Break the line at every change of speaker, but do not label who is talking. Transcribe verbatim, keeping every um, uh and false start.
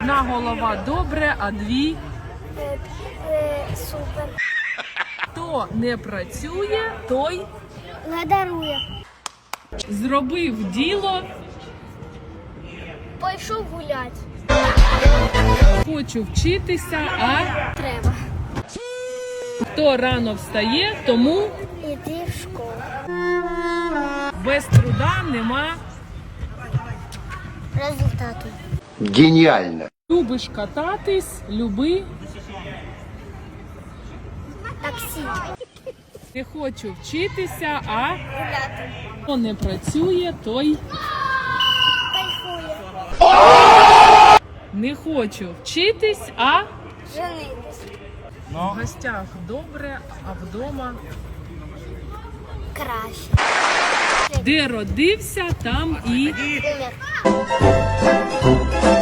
Одна голова добре, а дві
Е, е, супер.
хто не працює, той
Не дарує.
зробив діло.
Пойшов гулять.
Хочу вчитися, а
Треба.
хто рано встає, тому
Іди в школу.
без труда нема.
Результату.
Гениально.
Любиш кататись, люби.
Таксі.
Не хочу вчитися, а
Гуляти.
хто не працює, той
Кайфує.
не хочу вчитись, а
Женитись.
в гостях добре, а вдома
Краще.
де родився, там і
Умер.